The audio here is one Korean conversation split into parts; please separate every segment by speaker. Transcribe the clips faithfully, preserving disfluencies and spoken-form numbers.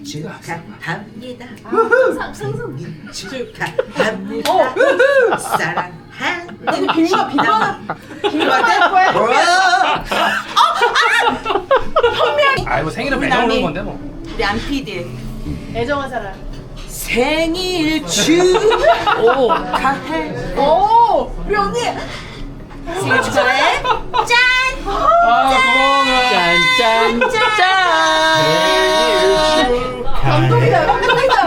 Speaker 1: 축하합니다.
Speaker 2: 상상.
Speaker 1: 축하합니다. 사랑하는
Speaker 2: 아니 빙마 빙마 빙마
Speaker 3: 아이 뭐 생일은 매장 오는 건데 뭐.
Speaker 1: 우리 안 피디
Speaker 2: 애정한 사람.
Speaker 1: 생일 축하해.
Speaker 2: 오 우리 언니.
Speaker 1: 생일 축하해. 짠.
Speaker 3: 아 고마워.
Speaker 4: 짠짠짠.
Speaker 2: 감동이다 감동이다.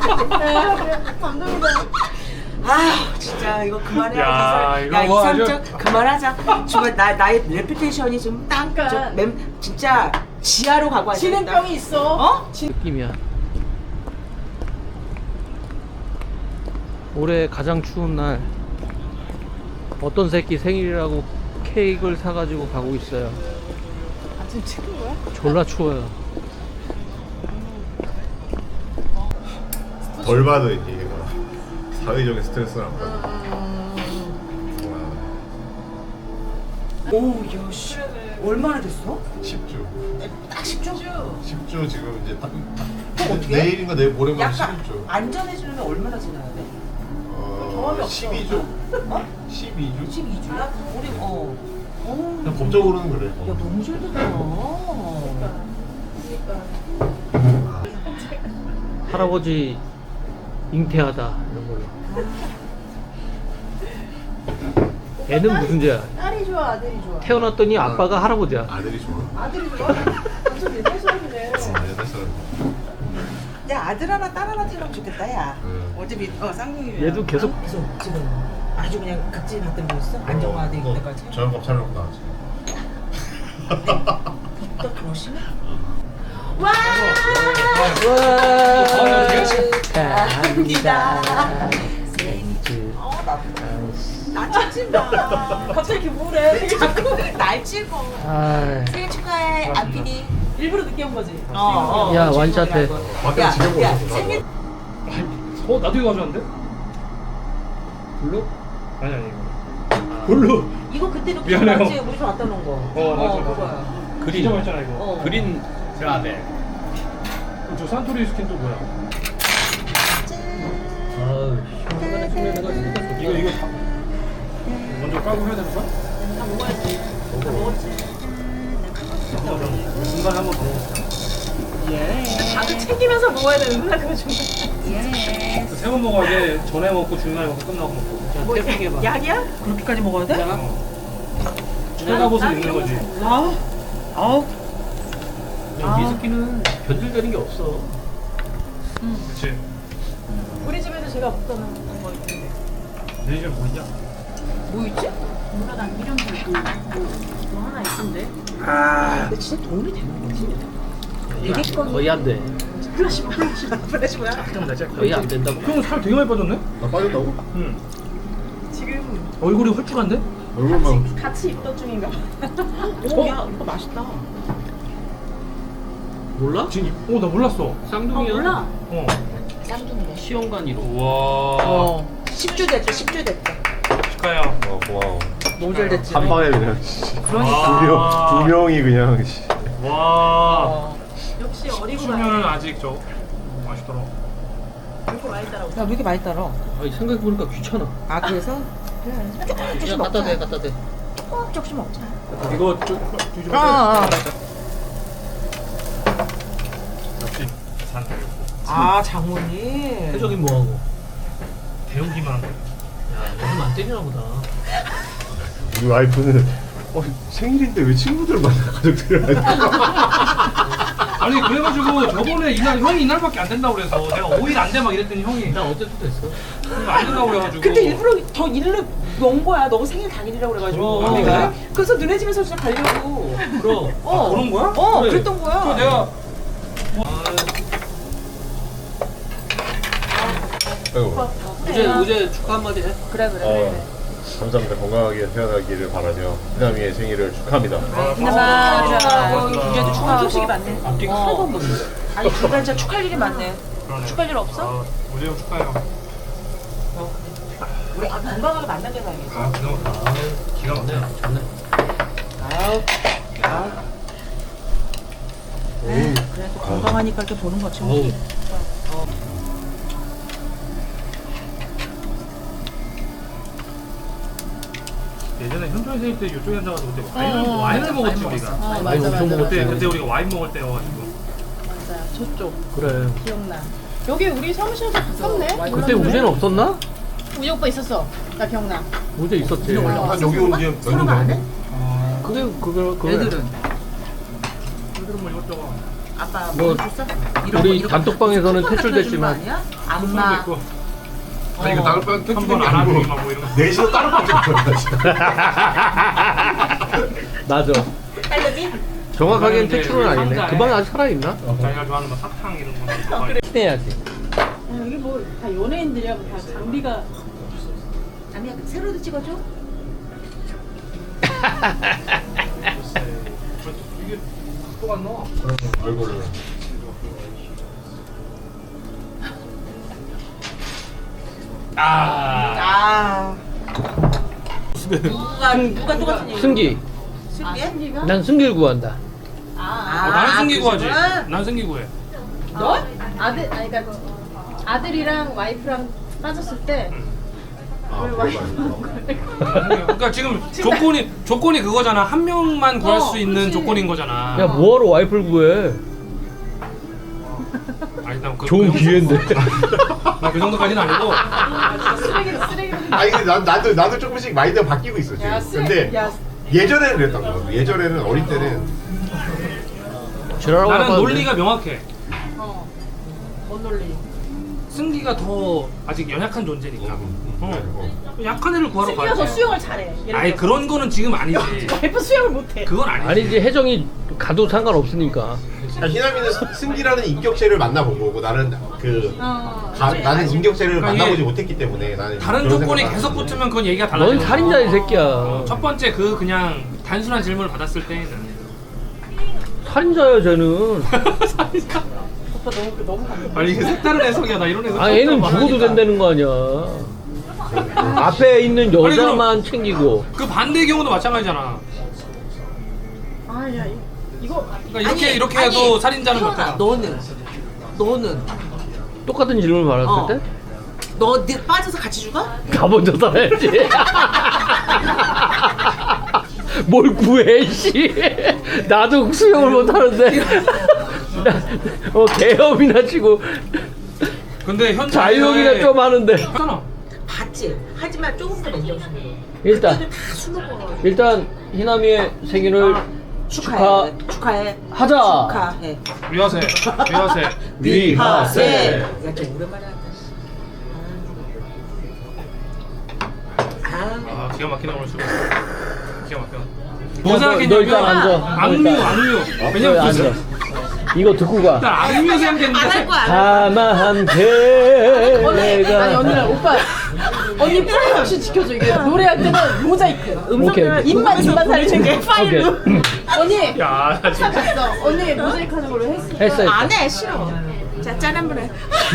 Speaker 2: 감동이다.
Speaker 1: 아 진짜 이거 그만해.
Speaker 3: 야, 이거
Speaker 1: 야
Speaker 3: 뭐
Speaker 1: 이삼적 그만하자. 정말 나 나의 레퓨테이션이 좀
Speaker 2: 잠깐.
Speaker 1: 좀 맴, 진짜 지하로 가고 앉아.
Speaker 2: 진행병이 있어.
Speaker 1: 어?
Speaker 4: 느낌이야. 올해 가장 추운 날 어떤 새끼 생일이라고 케이크를 사가지고 가고 있어요.
Speaker 2: 아 지금 찍은 거야?
Speaker 4: 졸라 추워요.
Speaker 5: 덜 받은 이게 사회적인 스트레스랑
Speaker 1: 오, 야, 씨. 얼마나 됐어?
Speaker 5: 십 주
Speaker 1: 딱 십 주?
Speaker 5: 십 주 지금 이제 딱
Speaker 1: 어떻게?
Speaker 5: 내일인가 내일 모레면
Speaker 1: 약간
Speaker 5: 십일 주
Speaker 1: 안전해지려면 얼마나 지나야 돼?
Speaker 2: 경험이
Speaker 5: 어,
Speaker 2: 없어.
Speaker 5: 십이 주?
Speaker 1: 어?
Speaker 5: 십이 주?
Speaker 1: 십이 주야? 우리 어. 어.
Speaker 5: 그냥 법적으로는 그래
Speaker 1: 야,
Speaker 5: 어.
Speaker 1: 너무 잘 됐다.
Speaker 4: 할아버지 잉태하다 이런 걸로. 애는 무슨 죄야?
Speaker 2: 딸이 좋아 아들이 좋아.
Speaker 4: 태어났더니 아빠가 할아버지야.
Speaker 5: 아들이 좋아?
Speaker 2: 아들이 좋아? 완전 옛날 사람이네.
Speaker 5: 어, 옛날 사람
Speaker 1: 야, 아들 하나, 딸 하나 태어나면 좋겠다, 야.
Speaker 5: 응.
Speaker 1: 어차피 어 쌍둥이면.
Speaker 4: 얘도 계속
Speaker 1: 그래서 지금 아주 그냥 각질 받던 거였어? 안정화돼
Speaker 5: 어,
Speaker 1: 때까지.
Speaker 5: 저녁밥 차려놓고 나왔지
Speaker 1: 또 그러시네?
Speaker 2: 와.
Speaker 1: 축하합니다. 어, 나, 나 찍지 마.
Speaker 2: 갑자기 이렇게 우울해.
Speaker 1: 자꾸 날 찍어.
Speaker 4: 아,
Speaker 1: 생일 축하해, 안피디.
Speaker 2: 일부러 늦게 온 거지.
Speaker 1: 어, 어.
Speaker 4: 야, 완샷해.
Speaker 5: 밖에
Speaker 1: 야,
Speaker 5: 지내고
Speaker 1: 야,
Speaker 5: 있었어
Speaker 1: 생일.
Speaker 3: 어 나도 이거 가져왔는데? 블루? 아니 아니 이거. 블루.
Speaker 1: 이거 그때 이렇게
Speaker 3: 미안해요.
Speaker 1: 맞지? 우리 집 갖다 놓은 거.
Speaker 3: 어, 맞아, 맞아.
Speaker 1: 그거야.
Speaker 3: 그린. 진짜 맛있잖아 이거.
Speaker 1: 어.
Speaker 4: 그린 라벨.
Speaker 3: 저 산토리 스킨 또 뭐야?
Speaker 4: 아우, 시원하게 소리내가 진짜 좋다.
Speaker 3: 이거 이거 다 먼저 까고 해야 되는 거야?
Speaker 2: 다 먹어야지. 다 먹었지.
Speaker 3: 중간에 한 번 더 먹어.
Speaker 2: 다들 챙기면서 먹어야 되는구나 그거 좀.
Speaker 3: 세 번 먹어야 돼. 전에 먹고 중간에 먹고 끝나고 먹고.
Speaker 4: 자, 태핑 해봐.
Speaker 2: 약이야?
Speaker 1: 그렇게까지 먹어야 돼?
Speaker 3: 빨가벗을 입는 거지.
Speaker 1: 아우. 아우.
Speaker 4: 미스키는 변질되는 게 없어.
Speaker 3: 그렇지.
Speaker 2: 우리 집에도 제가 먹던 거 있는데.
Speaker 3: 내 집에 뭐 있냐?
Speaker 1: 뭐 있지?
Speaker 2: 몰라 난 이름 들고 뭐 하나 있던데.
Speaker 1: 아, 근데 진짜 도움이 되는 거지?
Speaker 4: 거의, 거의 안 돼.
Speaker 2: 플라시 플라시 플라시 뭐야?
Speaker 3: 좀 내자.
Speaker 4: 거의 안 된다고.
Speaker 3: 형 살 되게 많이 빠졌네?
Speaker 5: 나 빠졌다고?
Speaker 3: 응.
Speaker 2: 지금
Speaker 3: 얼굴이 홀쭉한데?
Speaker 5: 얼굴만
Speaker 2: 같이 입던 중인가 봐.
Speaker 1: 오, 야, 이거 맛있다.
Speaker 4: 몰라?
Speaker 3: 지금 어 나 몰랐어.
Speaker 2: 어
Speaker 4: 쌍둥이야.
Speaker 2: 몰라.
Speaker 3: 어.
Speaker 1: 쌍둥이네.
Speaker 4: 시험관이로.
Speaker 3: 우와.
Speaker 1: 어. 십 주 됐죠, 십 주 됐다.
Speaker 3: 축하해요.
Speaker 5: 어 고마워
Speaker 1: 너무 잘 됐지?
Speaker 5: 한 방에 그냥
Speaker 1: 그러니까.
Speaker 5: 두 명, 두 명이 그냥 씨.
Speaker 3: 와.
Speaker 1: 어.
Speaker 2: 역시 어리고
Speaker 3: 수면은
Speaker 2: 많이.
Speaker 3: 아직 저 맛있더라.
Speaker 2: 이렇게 많이 따라오고.
Speaker 1: 야, 왜 이렇게 많이 따라?
Speaker 4: 아니, 생각해보니까 귀찮아.
Speaker 1: 아, 그래서? 그래. 조금
Speaker 4: 그냥
Speaker 1: 조금씩
Speaker 4: 갖다 대,
Speaker 1: 먹자.
Speaker 4: 갖다 대.
Speaker 1: 조금 조금씩 먹자.
Speaker 3: 이거 좀 뒤집어.
Speaker 1: 아, 아.
Speaker 3: 역시 산.
Speaker 1: 아, 장모님.
Speaker 4: 혜정이 뭐하고?
Speaker 3: 배우기만 한 거.
Speaker 4: 야, 너는 안 때리나 보다.
Speaker 5: 우리 와이프는 어, 생일인데 왜 친구들 만나 가족들을 만나
Speaker 3: 아니 그래가지고 저번에 이날 형이 이날밖에 안 된다고 그래서 내가 오 일 안 돼 막 이랬더니 형이
Speaker 4: 나 어제도 됐어.
Speaker 3: 안 된다고 그래가지고.
Speaker 1: 근데 일부러 더 일을 연 거야. 너 생일 당일이라고 그래가지고.
Speaker 3: 그럼.
Speaker 1: 내가. 그래서 너네 집에서 진짜 가려고.
Speaker 4: 그럼.
Speaker 1: 어.
Speaker 3: 아, 그런 거야?
Speaker 1: 어,
Speaker 4: 그래.
Speaker 1: 그랬던 거야.
Speaker 3: 저 내가
Speaker 5: 아이고
Speaker 4: 우재, 우재 축하 한마디 해.
Speaker 1: 그래, 그래.
Speaker 5: 어, 감사합니다 건강하게 태어나기를 바라며 희남이의 생일을 축하합니다
Speaker 1: 감사합니다. 유재도 축하하고.
Speaker 2: 소식이 많네.
Speaker 4: 앞뒤가
Speaker 1: 어.
Speaker 4: 하나도 안 맞는데.
Speaker 1: 아니, 그간 진짜 축하할 일이 많네.
Speaker 3: 그러네.
Speaker 1: 축하할 일 없어?
Speaker 3: 아, 우재 형 축하해요.
Speaker 1: 우리 아, 건강하게 만난 게 다행이지.
Speaker 3: 아 그냥 아, 기가 막히네.
Speaker 4: 좋네.
Speaker 1: 아우. 아우.
Speaker 5: 오,
Speaker 1: 그래. 또 건강하니까 이렇게 보는 거지.
Speaker 3: 어우. 예전에 현조회 생일 때 이쪽에 앉아가지고 그때 와인을,
Speaker 2: 어,
Speaker 3: 와인을 먹었지
Speaker 1: 와인
Speaker 3: 우리가.
Speaker 2: 어,
Speaker 4: 많이
Speaker 2: 맞아,
Speaker 4: 엄청
Speaker 2: 맞아,
Speaker 4: 먹었지.
Speaker 3: 그때
Speaker 2: 맞아.
Speaker 3: 그때 우리가 와인 먹을 때여가지고.
Speaker 2: 맞아요. 저쪽
Speaker 4: 그래.
Speaker 2: 기억나. 여기 우리 사무실도 가깝네.
Speaker 4: 그때 우재는 없었나?
Speaker 2: 우재 오빠 있었어. 나 기억나.
Speaker 4: 우재 있었지.
Speaker 5: 한 여기 온 지 몇 년 됐네?
Speaker 4: 근데 그거 그거
Speaker 1: 애들은
Speaker 3: 애들은 뭐 이것저것.
Speaker 1: 아빠
Speaker 4: 뭐,
Speaker 1: 뭐 줬어? 이런
Speaker 4: 우리
Speaker 1: 거, 이런 거
Speaker 4: 단톡방에서는
Speaker 1: 쿠폰 같은 거
Speaker 4: 퇴출됐지만.
Speaker 1: 주는 거 아니야?
Speaker 3: 수술도
Speaker 1: 안마.
Speaker 3: 있고.
Speaker 5: 아니 이거 다른 반
Speaker 3: 한
Speaker 5: 택주는
Speaker 3: 번
Speaker 5: 게
Speaker 3: 안
Speaker 5: 아니고
Speaker 3: 하지 뭐 이런 거.
Speaker 5: 넷이서 다른 반 택주는
Speaker 4: 맞아.
Speaker 1: 딸내미?
Speaker 4: 정확하게는
Speaker 3: 이제
Speaker 4: 퇴출은 아니네.
Speaker 3: 상자에
Speaker 4: 그 방에 아직 살아있나?
Speaker 3: 자기가 좋아하는 뭐 사탕 이런 거.
Speaker 4: 해야지.
Speaker 2: 아, 여기 뭐 다 연예인들이야. 뭐 다 장비가.
Speaker 1: 아니야 세로도 찍어줘?
Speaker 3: 이게 각도가 안 나와.
Speaker 5: 얼굴을
Speaker 3: 아.
Speaker 1: 아 누가 누가 똑같은 얘기?
Speaker 4: 승기.
Speaker 1: 승기?
Speaker 4: 난 승기를 구한다.
Speaker 1: 아,
Speaker 3: 어, 나는 승기구 하지.
Speaker 1: 그러시구나.
Speaker 3: 난 승기구 해.
Speaker 1: 너?
Speaker 2: 아들 아니 그러니까 아들이랑 와이프랑 빠졌을 때
Speaker 5: 아
Speaker 2: 왜 와이프
Speaker 3: 그러니까 지금 조건이 조건이 그거잖아. 한 명만 구할
Speaker 2: 어,
Speaker 3: 수 있는
Speaker 2: 그치.
Speaker 3: 조건인 거잖아.
Speaker 4: 야 뭐하러 와이프를 구해?
Speaker 3: 아니 난그
Speaker 4: 좋은 기회인데.
Speaker 3: 나그 정도까지는 아니고.
Speaker 2: 쓰레기 쓰레기.
Speaker 5: 아니 근데 나, 나도 나도 조금씩 마인드가 바뀌고 있어 지금.
Speaker 2: 야, 쓰-
Speaker 5: 근데
Speaker 2: 야.
Speaker 5: 예전에는 그랬던 거. 예전에는 어릴 때는
Speaker 4: 지랄하고
Speaker 3: 나는
Speaker 4: 나가는데.
Speaker 3: 논리가 명확해.
Speaker 2: 어. 뭔 논리?
Speaker 3: 승기가 더 아직 연약한 존재니까. 어.
Speaker 5: 어.
Speaker 3: 약한 애를 구하러
Speaker 2: 승기가 더
Speaker 3: 가야지.
Speaker 2: 수영을 잘해. 예를
Speaker 3: 아니
Speaker 2: 들어서.
Speaker 3: 그런 거는 지금 아니지.
Speaker 2: 와이프 수영을 못해.
Speaker 3: 그건 아니지.
Speaker 4: 아니지 혜정이 가도 상관없으니까.
Speaker 5: 야, 희남이는 스- 승기라는 인격체를 만나본 거고 나는 그
Speaker 2: 어.
Speaker 5: 가, 나는 인격체를
Speaker 3: 그러니까
Speaker 5: 만나보지
Speaker 3: 이게
Speaker 5: 못했기 때문에 나는
Speaker 3: 다른
Speaker 5: 그런
Speaker 3: 조건이
Speaker 5: 생각을
Speaker 3: 계속
Speaker 5: 안 하는데.
Speaker 3: 붙으면 그건 얘기가 달라져.
Speaker 4: 넌 살인자 이 새끼야.
Speaker 3: 첫 번째 그 그냥 단순한 질문을 받았을 때는
Speaker 4: 살인자야 쟤는.
Speaker 3: 살인자.
Speaker 2: 오빠 너무 너무 감동.
Speaker 3: 아니 이게 색다른 해석이야. 나 이런 해석.
Speaker 4: 아 얘는
Speaker 3: 처음
Speaker 4: 죽어도
Speaker 3: 말하니까.
Speaker 4: 된다는 거 아니야. 앞에 있는
Speaker 3: 아니,
Speaker 4: 여자만 챙기고.
Speaker 3: 그 반대의 경우도 마찬가지잖아.
Speaker 2: 아야 이거
Speaker 3: 그러니까 이렇게
Speaker 1: 아니,
Speaker 3: 이렇게
Speaker 1: 아니,
Speaker 3: 해도 살인자는 몇
Speaker 1: 태연아,
Speaker 3: 개다.
Speaker 1: 너는 너는
Speaker 4: 똑같은 질문을 받았을
Speaker 1: 어.
Speaker 4: 때?
Speaker 1: 너 네 빠져서 같이 죽어?
Speaker 4: 가 먼저 살아야지. 뭘 구해, 씨. 나도 수영을 못하는데. 어, 개엄이나 치고
Speaker 3: 근데 현
Speaker 4: 자유형이나 좀 하는데.
Speaker 3: 하잖아.
Speaker 1: 봤지? 하지만 조금 더 냉정심으로.
Speaker 4: 일단,
Speaker 1: 그때는 다 술로 먹어.
Speaker 4: 일단 희남이의 생일을
Speaker 1: 축하해. 축하해.
Speaker 4: 하자.
Speaker 1: 축하해.
Speaker 3: 위하세. 위하세.
Speaker 4: 위하세.
Speaker 1: 야, 좀 오랜만에 한다. 아,
Speaker 3: 아 기가 막히다 오늘 수고. 기가 막혀.
Speaker 4: 너,
Speaker 3: 뭐
Speaker 4: 너
Speaker 3: 생각했냐면
Speaker 4: 일단 앉아. 너
Speaker 3: 악뮤
Speaker 4: 일단.
Speaker 3: 악뮤.
Speaker 4: 그래,
Speaker 3: 왜냐면
Speaker 4: 앉아.
Speaker 3: 그
Speaker 4: 이거 듣고 가.
Speaker 3: 일단 악뮤
Speaker 1: 안
Speaker 3: 생각했는데.
Speaker 1: 할 거야.
Speaker 4: 가만
Speaker 2: 언니
Speaker 4: 내가.
Speaker 2: 아니 언니랑 오빠 언니 프라이버시 지켜줘. 이게 노래할 때는 모자이크.
Speaker 4: 오케이.
Speaker 2: 입만 입만 살리는 게 파일로.
Speaker 4: 오케이.
Speaker 2: 언니
Speaker 3: 야, 나 진짜.
Speaker 2: 찾았어. 언니 모자이크 하는 걸로 했어.
Speaker 4: 했어, 했어.
Speaker 1: 안 해, 싫어. 자, 짠 한 번 해.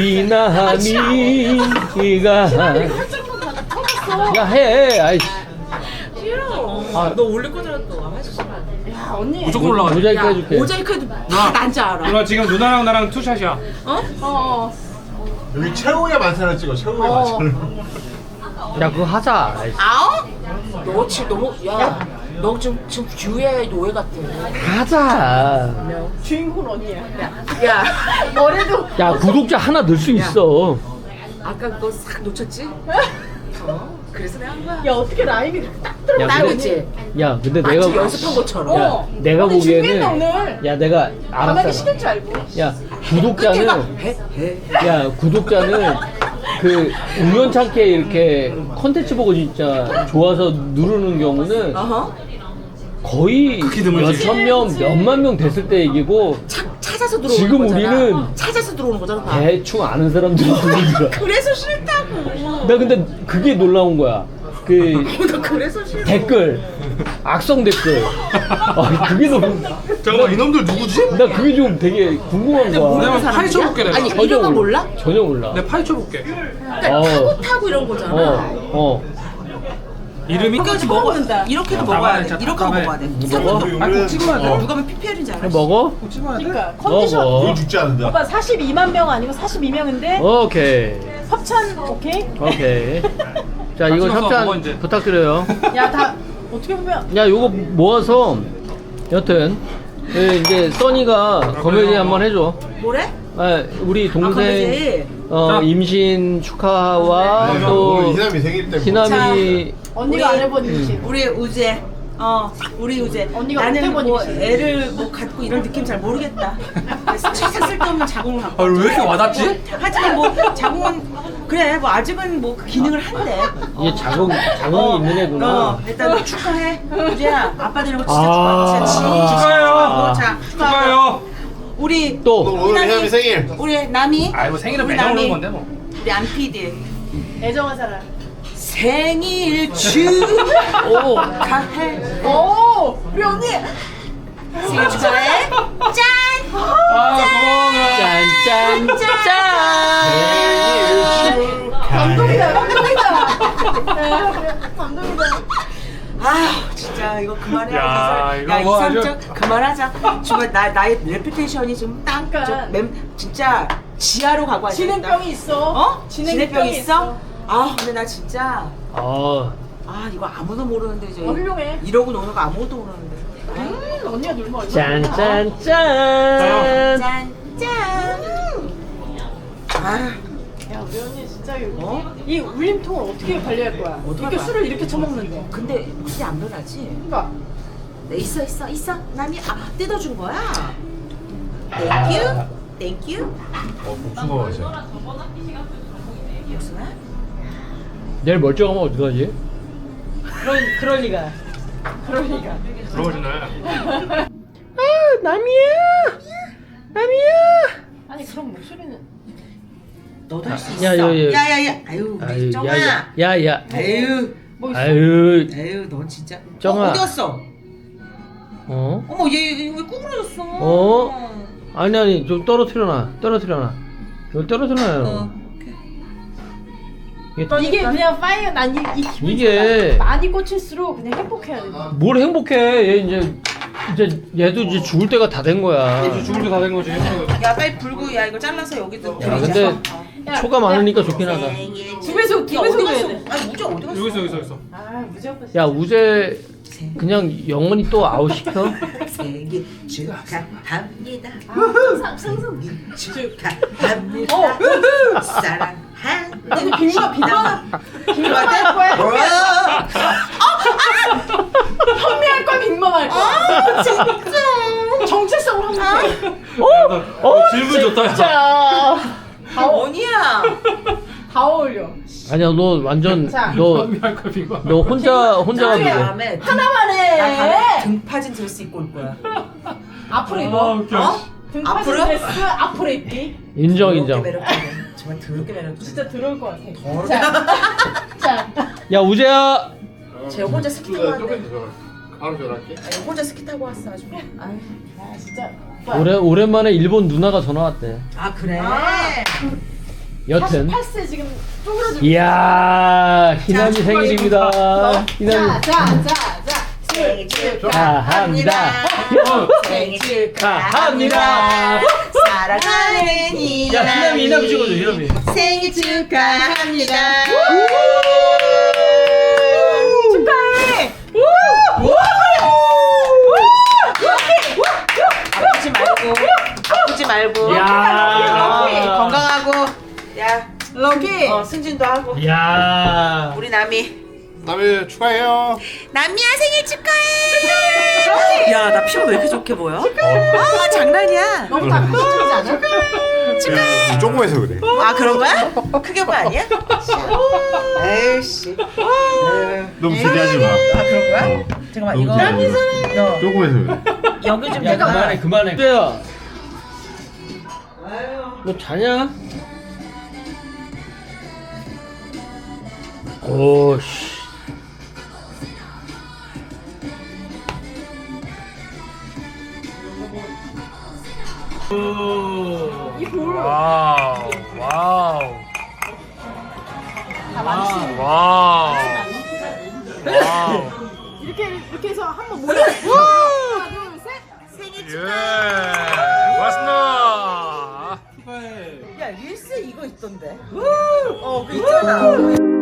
Speaker 4: 희남이가.
Speaker 2: 한쪽만 다 터졌어.
Speaker 4: 야, 해. 아이씨.
Speaker 1: 싫어.
Speaker 4: 아.
Speaker 1: 너 올릴 거잖아, 또. 하지 마.
Speaker 2: 야 언니.
Speaker 3: 무조건 올라가.
Speaker 4: 모자이크 해줄게.
Speaker 1: 모자이크 해도
Speaker 3: 누나.
Speaker 1: 다난줄 알아.
Speaker 3: 누나 지금 누나랑 나랑 투샷이야.
Speaker 1: 어?
Speaker 2: 어. 어.
Speaker 5: 여기 최후의 만찬을 찍어 최후의
Speaker 2: 어.
Speaker 5: 만찬을.
Speaker 4: 야, 그거 하자. 아이씨.
Speaker 1: 아우? 너 지금 너무, 야, 너 지금, 지금 뷰의 노예 같아.
Speaker 4: 하자.
Speaker 2: 주인공 언니야.
Speaker 1: 야,
Speaker 2: 머리도.
Speaker 4: 야, 구독자 하나 늘 수 있어.
Speaker 1: 아까 그거 싹 놓쳤지? 어? 그래서 내가 한 거야.
Speaker 2: 야 어떻게 라임이 딱 들어.
Speaker 4: 야,
Speaker 1: 나고
Speaker 4: 근데-
Speaker 1: 있지?
Speaker 4: 야, 근데
Speaker 1: 마치
Speaker 4: 내가.
Speaker 1: 연습한 것처럼.
Speaker 4: 야,
Speaker 2: 어.
Speaker 4: 내가
Speaker 2: 언니 준비했네,
Speaker 4: 보기에는.
Speaker 2: 오늘.
Speaker 4: 야, 내가
Speaker 2: 가만히
Speaker 4: 알았잖아.
Speaker 2: 시킬 줄 알고.
Speaker 4: 야,
Speaker 1: 끝에가
Speaker 4: 구독자는.
Speaker 1: 해? 해?
Speaker 4: 야, 구독자는 그 우연찮게 이렇게 컨텐츠 보고 진짜 좋아서 누르는 경우는
Speaker 1: 어허.
Speaker 4: 거의
Speaker 3: 극히 드물지.
Speaker 4: 몇천 명, 몇만 명 됐을 때 얘기고
Speaker 1: 차, 찾아서 들어오는
Speaker 4: 지금
Speaker 1: 거잖아.
Speaker 4: 우리는
Speaker 1: 찾아서 들어오는 거잖아. 다.
Speaker 4: 대충 아는 사람들이 누르는 거야.
Speaker 1: 그래서 싫다고.
Speaker 4: 나 근데 그게 놀라운 거야. 그
Speaker 1: 나 그래서 싫어.
Speaker 4: 댓글, 악성 댓글. 아, 그게 너무.
Speaker 3: 잠깐만 이놈들 누구지?
Speaker 4: 나 그게 좀 되게 궁금한
Speaker 1: 근데
Speaker 4: 거야.
Speaker 1: 모르는
Speaker 3: 내가 파헤쳐
Speaker 1: 사람이야?
Speaker 3: 볼게, 내가.
Speaker 1: 아니,
Speaker 4: 전혀
Speaker 1: 이런 거
Speaker 4: 몰라.
Speaker 1: 몰라?
Speaker 4: 전혀 몰라.
Speaker 3: 내가 파헤쳐 볼게.
Speaker 1: 그러니까
Speaker 4: 어.
Speaker 1: 타고 타고 이런 거잖아.
Speaker 4: 어, 어.
Speaker 3: 이름이
Speaker 2: 이렇게 먹어.
Speaker 6: 이렇게도
Speaker 3: 아,
Speaker 6: 먹어야
Speaker 3: 답답해,
Speaker 6: 돼.
Speaker 3: 진짜
Speaker 6: 이렇게도
Speaker 3: 답답해.
Speaker 6: 먹어야 돼.
Speaker 4: 먹어?
Speaker 3: 아니 꼭 찍어야 돼.
Speaker 6: 누가 보면 피피엘인 줄 알아.
Speaker 4: 먹어?
Speaker 3: 꼭 찍어야 돼.
Speaker 2: 그러니까 컨디션.
Speaker 4: 먹어.
Speaker 5: 넌 죽지 않는다.
Speaker 2: 오빠 사십이만 명 아니고 사십이 명인데
Speaker 4: 오케이.
Speaker 2: 협찬 오케이?
Speaker 4: 오케이. 자, 이거
Speaker 3: 찍어서 먹어,
Speaker 4: 협찬
Speaker 3: 이제.
Speaker 4: 부탁드려요.
Speaker 2: 야 다 어떻게 보면
Speaker 4: 야, 요거 모아서 여튼 그 이제 써니가 검열이 한번 해줘.
Speaker 6: 뭐래?
Speaker 4: 아, 우리
Speaker 6: 아,
Speaker 4: 동생
Speaker 6: 검열이.
Speaker 4: 어,
Speaker 3: 자.
Speaker 4: 임신 축하와
Speaker 5: 내가
Speaker 4: 또
Speaker 5: 오늘 희남이 생일 때문에
Speaker 4: 희남이
Speaker 2: 언니가
Speaker 6: 우리-
Speaker 2: 안 해본 일이지.
Speaker 6: 우리 우재. 어, 우리 우재.
Speaker 2: 언니가
Speaker 6: 나는
Speaker 2: 못 해본
Speaker 6: 뭐
Speaker 2: 일이지.
Speaker 6: 애를 뭐 갖고 이런 느낌 잘 모르겠다. 그래서 진짜 쓸데없는 자궁을 갖고.
Speaker 3: 아왜 이렇게 와닿지?
Speaker 6: 하지만 뭐 자궁은 그래 뭐 아직은 뭐 그 기능을 한대.
Speaker 4: 이게 자궁 자궁이 있는 애구나.
Speaker 6: 어, 일단 축하해. 우재야, 아빠 되는 거 진짜
Speaker 4: 아.
Speaker 6: 축하. 진짜
Speaker 3: 축하해요.
Speaker 6: 축하하고, 자,
Speaker 3: 축하해요.
Speaker 6: 우리
Speaker 4: 또
Speaker 5: 오늘 희남이 생일.
Speaker 6: 우리 남이.
Speaker 3: 아이고 생일은
Speaker 6: 우리
Speaker 3: 매년
Speaker 6: 남이,
Speaker 3: 오는 건데 뭐.
Speaker 6: 우리 안 피디
Speaker 2: 애정한 사람.
Speaker 6: 생일
Speaker 4: 오.
Speaker 6: 축하해.
Speaker 2: 오 우리 언니.
Speaker 6: 생일 축하해. 짠.
Speaker 3: 아 고마워.
Speaker 4: 짠짠짠.
Speaker 2: 감동이다 감동이다. 네, 감동이다.
Speaker 6: 아 진짜 이거 그만해.
Speaker 3: 야, 이거
Speaker 6: 야
Speaker 3: 뭐
Speaker 6: 이삼적 그만하자. 정말 나 나의 레퓨테이션이 지금
Speaker 2: 그러니까.
Speaker 6: 땅저 진짜 지하로 가고 앉아.
Speaker 2: 진행병이 있어.
Speaker 6: 어?
Speaker 2: 진행병이
Speaker 6: 진행병
Speaker 2: 있어.
Speaker 6: 있어? 아 근데 나 진짜
Speaker 4: 아,
Speaker 6: 아 이거 아무도 모르는데 이제
Speaker 2: 어, 훌륭해.
Speaker 6: 이러고 노는 거 아무것도 모르는데.
Speaker 2: 음, 언니가 놀면 얼마나.
Speaker 4: 짠짠짠.
Speaker 6: 짠 짠. 아
Speaker 2: 야 우리 언니 진짜 이-
Speaker 6: 어?
Speaker 2: 이 울림통을 어떻게 관리할 거야?
Speaker 6: 어떻게
Speaker 2: 이렇게
Speaker 6: 봐?
Speaker 2: 술을 이렇게 처먹는데.
Speaker 6: 근데 그게 안 변하지?
Speaker 2: 그러니까
Speaker 6: 네, 있어 있어 있어. 남이 아 뜯어준 거야. 땡큐 땡큐.
Speaker 5: 어, 복숭아 맛이야.
Speaker 6: 무슨 말?
Speaker 4: 내일 멀쩡하면 어떡하지?
Speaker 2: 그럴 그럴 리가. 그럴 리가.
Speaker 3: 부러워지네.
Speaker 4: 남이야. 남이야.
Speaker 2: 아니 그럼 목소리는
Speaker 6: 너도 할 수 있어.
Speaker 4: 야, 야, 야.
Speaker 6: 야야야. 아유 우리
Speaker 4: 아유,
Speaker 6: 정아.
Speaker 4: 야야. 야야.
Speaker 6: 아유.
Speaker 2: 뭐 있어?
Speaker 4: 아유.
Speaker 6: 아유 넌 진짜.
Speaker 4: 정아.
Speaker 6: 어, 어디 갔어?
Speaker 4: 어?
Speaker 6: 어머 얘왜 구부러졌어?
Speaker 4: 어? 아니 아니 좀 떨어뜨려놔. 떨어뜨려놔. 이거 떨어뜨려놔요.
Speaker 6: 어.
Speaker 4: 이게
Speaker 2: 이게 그냥 파이어 난이 이 기분이
Speaker 4: 이게-
Speaker 2: 좋아. 많이 꽂힐수록 그냥 행복해야 돼.
Speaker 4: 뭘 행복해? 얘 이제 이제 얘도 이제 죽을 때가 다 된 거야.
Speaker 3: 이제 죽을 때 다 된 거지.
Speaker 6: 야 빨리 불고 야 이거 잘라서 여기도.
Speaker 4: 야, 근데
Speaker 2: 야,
Speaker 4: 초가 많으니까 좋긴 하다.
Speaker 2: 두 배속 두
Speaker 6: 야
Speaker 2: 배속
Speaker 6: 어디
Speaker 2: 해야
Speaker 6: 갔어?
Speaker 2: 돼.
Speaker 6: 아니 우재 어디 갔어?
Speaker 3: 여기 있어 여기 있어 여기 있어.
Speaker 2: 아 무조건.
Speaker 4: 야 우재 그냥 영원히 또 아웃 시켜?
Speaker 6: 생일 축하합니다.
Speaker 2: 상상 상상.
Speaker 6: 축하합니다.
Speaker 2: 어.
Speaker 6: 사랑합니다.
Speaker 2: 근데 빅마 빅마 빅마
Speaker 6: 어?
Speaker 2: 할 거야.
Speaker 6: 뭐야?
Speaker 2: 현미할 거야 빅마 할 거야.
Speaker 6: 아 진짜.
Speaker 2: 정체성을 한번.
Speaker 3: 어 질문 좋다. 야.
Speaker 2: 자. 다, 어,
Speaker 6: 뭐냐?
Speaker 2: 다 어울려.
Speaker 4: 아니야 너 완전
Speaker 2: 자.
Speaker 4: 너
Speaker 3: 할 거야 빙과.
Speaker 4: 너 혼자 혼자
Speaker 6: 나
Speaker 4: 가지고
Speaker 6: 다음에
Speaker 2: 하나만
Speaker 6: 나 다음에
Speaker 2: 해.
Speaker 6: 등파진 드레스 입고 올 거야.
Speaker 2: 앞으로
Speaker 3: 아
Speaker 2: 입어.
Speaker 3: 웃겨.
Speaker 6: 어?
Speaker 2: 등파진
Speaker 6: 앞으로?
Speaker 2: 드레스 앞으로 입기.
Speaker 4: 인정
Speaker 6: 더럽게
Speaker 4: 인정.
Speaker 6: 매력적이네. 정말 더럽게 매력적이네.
Speaker 2: 진짜 들어올 것 같아.
Speaker 6: 더럽게.
Speaker 2: 자,
Speaker 4: 야 우재야.
Speaker 6: 쟤 혼자 스키 타고 왔네.
Speaker 5: 바로 전화할게.
Speaker 6: 아니, 혼자 스키 타고 왔어 아주. 아유.
Speaker 2: 아 진짜. 오빠.
Speaker 4: 오래 오랜만에 일본 누나가 전화 왔대.
Speaker 6: 아 그래?
Speaker 4: 여튼.
Speaker 2: 팔십팔 세 지금 쪼그라들고.
Speaker 4: 이야 희남이
Speaker 6: 자,
Speaker 4: 생일입니다. 희남이
Speaker 2: 자, 자, 자, 자.
Speaker 6: 생일
Speaker 4: 축하합니다.
Speaker 6: 생일
Speaker 4: 축하합니다.
Speaker 6: 사랑하는 이남이.
Speaker 4: 야 희남이 희남이 찍어줘 희남이.
Speaker 6: 생일 축하합니다.
Speaker 2: 축하해.
Speaker 6: 아프지 말고 아프지 말고
Speaker 4: 야.
Speaker 6: 건강하고 야
Speaker 2: 럭키.
Speaker 6: 어, 승진도 하고
Speaker 4: 야.
Speaker 6: 우리 남이
Speaker 5: 남이 축하해요.
Speaker 6: 남이야 생일 축하해. 야 나 피부 왜 이렇게 좋게 보여? 아 장난이야.
Speaker 2: 너무 다 가시적이지 않아?
Speaker 5: 축하해. 조금해서 그래.
Speaker 6: 아 그런 거야? 크게 봐 아니야? 에이씨.
Speaker 5: 너무 기대하지 마.
Speaker 6: 아 그런 거야? 잠깐만 이거 너
Speaker 5: 조금해서 그래.
Speaker 6: 여기 좀
Speaker 4: 야
Speaker 6: 내가
Speaker 4: 그만해 그만해. 우재야. 너 자냐? 오씨. 와우 와우
Speaker 2: 다 많이 쓰는
Speaker 3: 와우.
Speaker 2: 거. 이렇게 해서 한번 모여. 하나, 둘, 셋.
Speaker 6: 생일
Speaker 5: 예.
Speaker 6: 축하해.
Speaker 5: 고맙습니다.
Speaker 3: 축하해.
Speaker 6: 야 릴스 이거 있던데. 어, 그 있잖아.